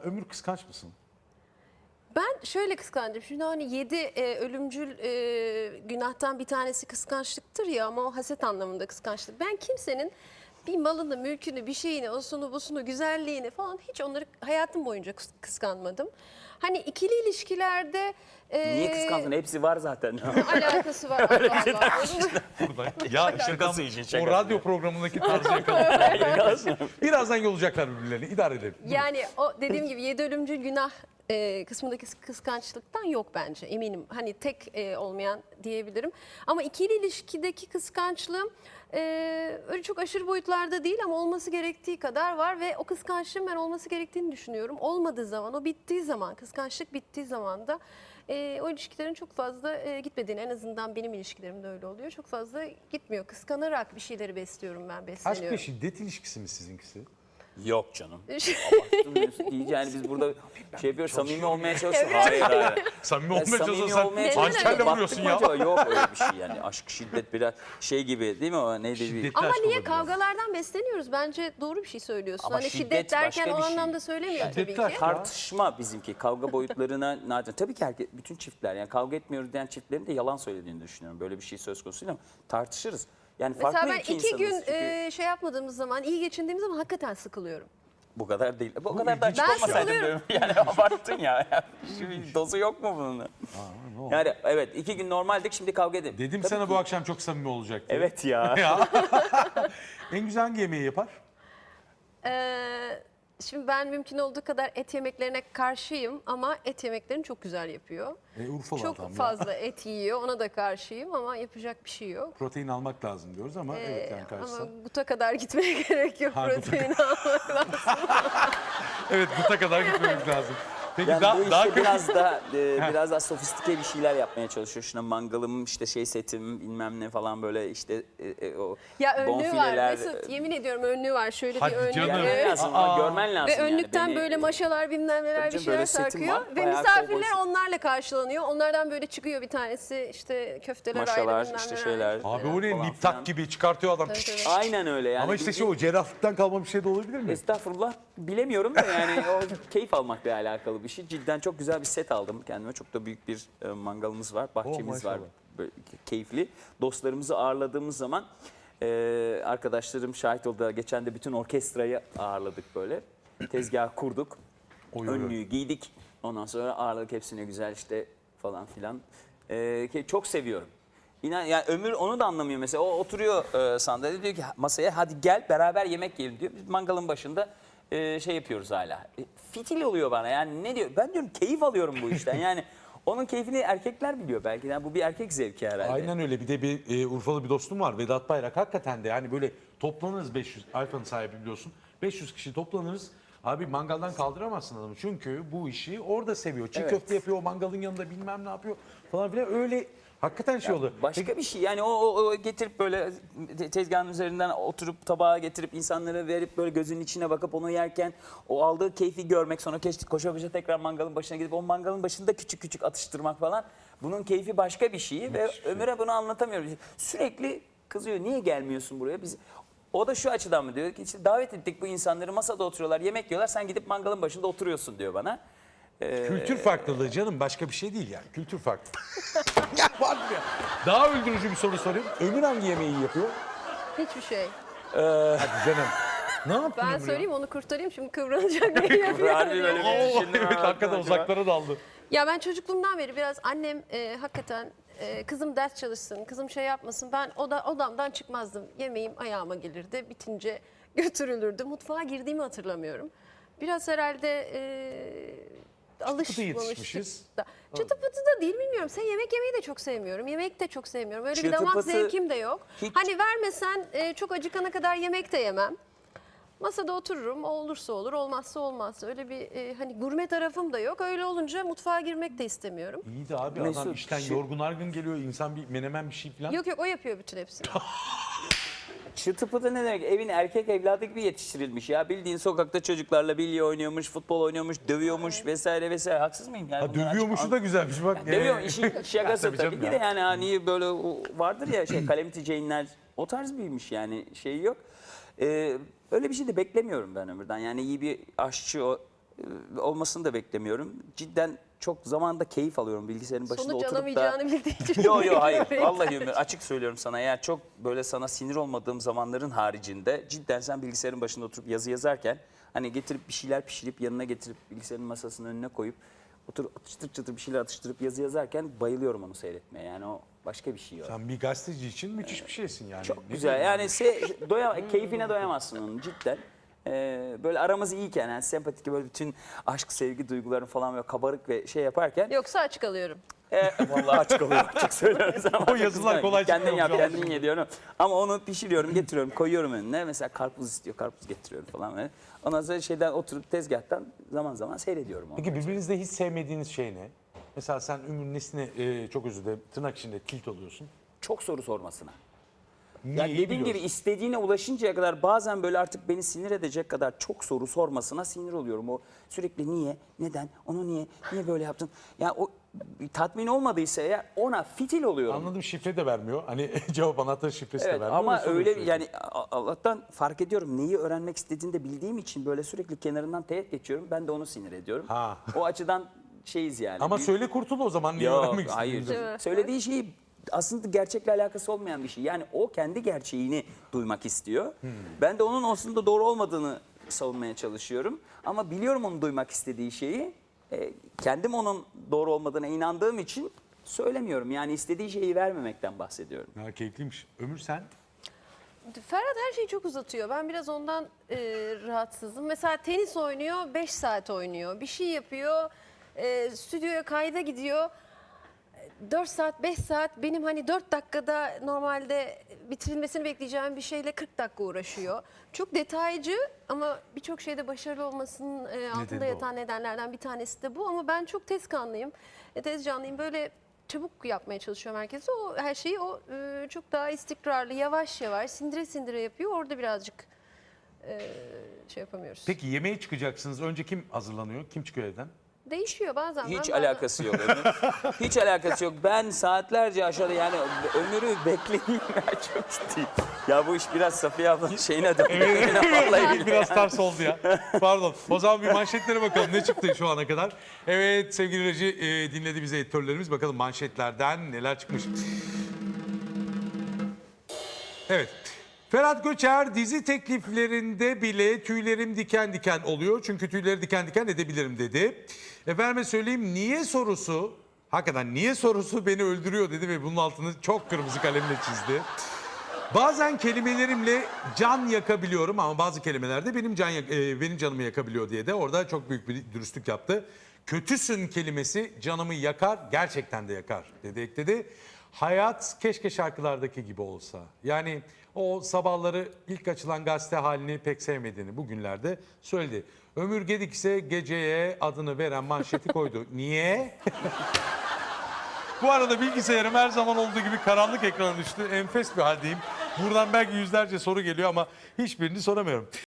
Ömür, kıskanç mısın? Ben şöyle kıskancım. Şimdi hani 7 ölümcül günahtan bir tanesi kıskançlıktır ya, ama o haset anlamında kıskançlık. Ben kimsenin bir malını, mülkünü, bir şeyini, osunu, busunu, güzelliğini falan hiç onları hayatım boyunca kıskanmadım. Hani ikili ilişkilerde Niye kıskansın? Hepsi var zaten. alakası var. Allah Allah. Burada. Ya işte tam Şakası için, o şakası. radyo programındaki tarzı yakaladılar. Birazdan yolacaklar birbirlerini. İdare edelim. Yani o dediğim gibi 7 ölümcül günah kısmındaki kıskançlıktan yok bence, eminim. Hani tek olmayan diyebilirim. Ama ikili ilişkideki kıskançlığım öyle çok aşırı boyutlarda değil ama olması gerektiği kadar var ve o kıskançlığın ben olması gerektiğini düşünüyorum. Olmadığı zaman, o bittiği zaman, kıskançlık bittiği zaman da o ilişkilerin çok fazla gitmediğini, en azından benim ilişkilerimde öyle oluyor. Çok fazla gitmiyor. Kıskanarak bir şeyleri besliyorum ben, Aşk besleniyorum. ve şiddet ilişkisi mi sizinkisi? Yok canım. Abarttın diyorsun. İyice yani biz burada şey yapıyoruz, samimi olmaya çalışıyoruz. Hayır. Samimi Ya olmaya çalışıyorsan olmaya sen hançerle çalışıyoruz. vuruyorsun Baktık ya. mı acaba? Yok öyle bir şey yani. Aşk, şiddet biraz şey gibi değil mi o? Neydi? Şiddetli Ama aşk niye olabilir. kavgalardan besleniyoruz? Bence doğru bir şey söylüyorsun. Ama hani şiddet şiddet derken başka o bir şey. anlamda söylemiyor Şiddetli tabii aşk ki. Tartışma bizimki. Kavga boyutlarına nadir. Tabii ki bütün çiftler, yani kavga etmiyoruz diyen çiftlerin de yalan söylediğini düşünüyorum. Böyle bir şey söz konusu değil ama tartışırız. Yani Mesela farklı ben iki 2 gün insanız çünkü. şey yapmadığımız zaman, iyi geçindiğimiz zaman hakikaten sıkılıyorum. Bu kadar değil. Bu kadar da ilginç açık bir şey. olmasaydın Ben diyorum. Yani abarttın ya. Şu dozu yok mu bunun? Yani evet 2 gün normaldik, şimdi kavga edelim. Dedim Tabii sana ki. bu akşam çok samimi olacak diye. Evet ya. Ya. En güzel hangi yemeği yapar? Şimdi ben mümkün olduğu kadar et yemeklerine karşıyım ama et yemeklerini çok güzel yapıyor. Urfalı adam Çok ya. fazla et yiyor, ona da karşıyım ama yapacak bir şey yok. Protein almak lazım diyoruz ama evet yani karşısında. Ama guta kadar gitmeye gerek yok, Ha, guta protein almak lazım. Evet, guta kadar gitmemiz lazım. Peki Yani bu işte daha biraz daha sofistike bir şeyler yapmaya çalışıyor. Şuna mangalım, işte şey setim, bilmem ne falan böyle işte o Ya önlüğü var bonfileler. Mesut, yemin ediyorum önlüğü var. Şöyle Hadi bir önlük. canım. Görmen Evet. lazım ama görmen lazım Ve yani. önlükten Beni- böyle maşalar bilmem neler Tabii bir canım, şeyler böyle setim sarkıyor. var, Ve bayağı misafirler kovboy- onlarla karşılanıyor. Onlardan böyle çıkıyor bir tanesi, işte köfteler Maşalar, ayrı bilmem işte neler şeyler. ayrı. Abi o ne falan niptak filan. gibi çıkartıyor adam. Tabii, tabii. Aynen öyle yani. Ama işte Bildiğin- o cerrahlıktan kalma bir şey de olabilir mi? Estağfurullah, bilemiyorum da yani o keyif almakla alakalı bir şey. Cidden çok güzel bir set aldım kendime. Çok da büyük bir mangalımız var, bahçemiz var. maşallah. Böyle keyifli. Dostlarımızı ağırladığımız zaman arkadaşlarım şahit oldu. Geçen de bütün orkestrayı ağırladık böyle. Tezgah kurduk. Oy, oy, oy. Önlüğü giydik. Ondan sonra ağırladık hepsine güzel işte falan filan. Çok seviyorum. İnan yani Ömür onu da anlamıyor mesela. O oturuyor sandalyede, diyor ki masaya hadi gel beraber yemek yiyelim diyor. Biz mangalın başında şey yapıyoruz hala. Fitil oluyor bana yani, ne diyor? Ben diyorum keyif alıyorum bu işten. Yani onun keyfini erkekler biliyor belki. Yani bu bir erkek zevki herhalde. Aynen öyle. Bir de bir Urfalı bir dostum var, Vedat Bayrak. Hakikaten de yani böyle toplanırız, 500 Alfa'nın sahibi biliyorsun. 500 kişi toplanırız. Abi mangaldan kaldıramazsın adamı. Çünkü bu işi orada seviyor. Çiğ Evet. köfte yapıyor, o mangalın yanında bilmem ne yapıyor falan filan. Öyle hakikaten şey oldu. Başka bir şey yani o getirip böyle tezgahın üzerinden oturup tabağa getirip insanlara verip böyle gözünün içine bakıp onu yerken o aldığı keyfi görmek, sonra koşa koşa tekrar mangalın başına gidip o mangalın başında küçük küçük atıştırmak falan, bunun keyfi başka bir şey ve Ömür'e bunu anlatamıyorum. Sürekli kızıyor, niye gelmiyorsun buraya? O da şu açıdan mı diyor ki işte davet ettik bu insanları, masada oturuyorlar yemek yiyorlar, sen gidip mangalın başında oturuyorsun diyor bana. Kültür farklılığı canım, başka bir şey değil yani. Kültür farklı. Ya var ya. Daha öldürücü bir soru sorayım. Ömür hangi yemeği yapıyor? Hiçbir şey. Hadi canım. Ne yaptın Ben Ömür ya? söyleyeyim, onu kurtarayım, şimdi kıvranacak diye yapıyor. Harbi böyle bir Oo, düşündüm. evet hakikaten uzaklara daldı. Ya ben çocukluğumdan beri biraz annem hakikaten kızım ders çalışsın, kızım şey yapmasın. Ben odamdan çıkmazdım. Yemeğim ayağıma gelirdi. Bitince götürülürdü. Mutfağa girdiğimi hatırlamıyorum. Biraz herhalde alışmamıştık yetişmişiz. da. Çıtı pıtı da değil, bilmiyorum. Sen yemek yemeyi de çok sevmiyorum. Yemek de çok sevmiyorum. Öyle bir Çıtı damak pıtı zevkim de yok. hiç- Hani vermesen çok acıkana kadar yemek de yemem. Masada otururum, o olursa olur, olmazsa olmaz. Öyle bir hani gurme tarafım da yok. Öyle olunca mutfağa girmek de istemiyorum. İyi de abi Mesut, adam işten yorgun argın geliyor. İnsan bir menemen bir şey falan. Yok yok, o yapıyor bütün hepsini. Çıtı pıtı ne demek? Evin erkek evladı gibi yetiştirilmiş ya. Bildiğin sokakta çocuklarla bilye oynuyormuş, futbol oynuyormuş, dövüyormuş vesaire vesaire. Haksız mıyım? Yani Ha, bunlar dövüyormuşu açık- da güzelmiş bak. Dövüyor, işin şakası Tabii tabii canım ki ya. de yani hani böyle vardır ya şey Calamity Jane'ler, o tarz birmiş yani, şey yok. Öyle bir şey de beklemiyorum ben Ömür'den. Yani iyi bir aşçı o olmasını da beklemiyorum. Cidden çok zamanda keyif alıyorum bilgisayarın başında Sonuç oturup da. alamayacağını bildiği için. Yok hayır. Bekler. Vallahi Ömür, açık söylüyorum sana. Eğer çok böyle sana sinir olmadığım zamanların haricinde cidden sen bilgisayarın başında oturup yazı yazarken hani getirip bir şeyler pişirip yanına getirip bilgisayarın masasının önüne koyup oturup atıştır çıtır bir şeyler atıştırıp yazı yazarken bayılıyorum onu seyretmeye. Yani o başka bir şey o. Sen bir gazeteci için müthiş bir şeysin yani. Çok Ne güzel. bileyim. Yani keyfine doyamazsın onun cidden. Böyle aramız iyiyken yani sempatik böyle bütün aşk, sevgi duygularını falan böyle kabarık ve şey yaparken Yoksa açık alıyorum. vallahi açık oluyor. Açık söylüyorum sana. O yazılar kolay Kendin çıkmıyor yap, hocam. kendin ye diyorum. Ama onu pişiriyorum, getiriyorum, koyuyorum önüne. Mesela karpuz istiyor, karpuz getiriyorum falan böyle. Ondan sonra şeyden oturup tezgahtan zaman zaman seyrediyorum onu. Peki birbirinizde hiç sevmediğiniz şey ne? Mesela sen Ümrün nesine çok özür dilerim tırnak içinde tilt oluyorsun. Çok soru sormasına. Niye Yani dediğim gibi biliyorsun? istediğine ulaşıncaya kadar bazen böyle artık beni sinir edecek kadar çok soru sormasına sinir oluyorum. O sürekli niye, neden, onu niye böyle yaptın? Yani o tatmin olmadıysa ya ona fitil oluyorum. Anladım, şifre de vermiyor. Hani cevap anahtarı şifresi de Evet vermiyor. ama soruyu öyle soruyor. yani Allah'tan fark ediyorum neyi öğrenmek istediğini de bildiğim için böyle sürekli kenarından teğet geçiyorum. Ben de onu sinir ediyorum. Ha. O açıdan şeyiz yani. Ama Bir- söyle kurtul o zaman niye Yok, öğrenmek hayır. istediğinizi. Değil mi? Söylediği şey aslında gerçekle alakası olmayan bir şey. Yani o kendi gerçeğini duymak istiyor. Ben de onun aslında doğru olmadığını savunmaya çalışıyorum. Ama biliyorum onu duymak istediği şeyi. Kendim onun doğru olmadığına inandığım için söylemiyorum. Yani istediği şeyi vermemekten bahsediyorum. Ha, keyifliymiş. Ömür sen? Ferhat her şeyi çok uzatıyor. Ben biraz ondan rahatsızım. Mesela tenis oynuyor, 5 saat oynuyor. Bir şey yapıyor, stüdyoya kayda gidiyor. 4 saat, 5 saat benim hani 4 dakikada normalde bitirilmesini bekleyeceğim bir şeyle 40 dakika uğraşıyor. Çok detaycı ama birçok şeyde başarılı olmasının altında Nedeni de yatan nedenlerden bir tanesi de bu. Ama ben çok tez kanlıyım, tez canlıyım. Böyle çabuk yapmaya çalışıyorum herkese. O her şeyi çok daha istikrarlı, yavaş yavaş, sindire sindire yapıyor. Orada birazcık şey yapamıyoruz. Peki yemeğe çıkacaksınız. Önce kim hazırlanıyor? Kim çıkıyor evden? Değişiyor bazen. Hiç ben alakası yok Ömür. Hiç alakası yok. Ben saatlerce aşağıda yani Ömür'ü bekleyeyim ya çok ciddiyim. Ya bu iş biraz Safiye ablanın şeyine döndü. Vallahi billahi. Biraz ters oldu ya. Pardon. O zaman bir manşetlere bakalım. Ne çıktı şu ana kadar? Evet sevgili reji dinledi bize editörlerimiz. Bakalım manşetlerden neler çıkmış. Evet. Ferhat Göçer dizi tekliflerinde bile tüylerim diken diken oluyor. Çünkü tüyleri diken diken edebilirim dedi. Efendime söyleyeyim niye sorusu, hakikaten niye sorusu beni öldürüyor dedi ve bunun altını çok kırmızı kalemle çizdi. Bazen kelimelerimle can yakabiliyorum ama bazı kelimelerde benim canımı yakabiliyor diye de orada çok büyük bir dürüstlük yaptı. Kötüsün kelimesi canımı yakar, gerçekten de yakar dedi, ekledi. Hayat keşke şarkılardaki gibi olsa. Yani o sabahları ilk açılan gazete halini pek sevmediğini bugünlerde söyledi. Ömür Gedik ise geceye adını veren manşeti koydu. Niye? Bu arada bilgisayarım her zaman olduğu gibi karanlık ekrana düştü. Enfes bir haldeyim. Buradan belki yüzlerce soru geliyor ama hiçbirini soramıyorum.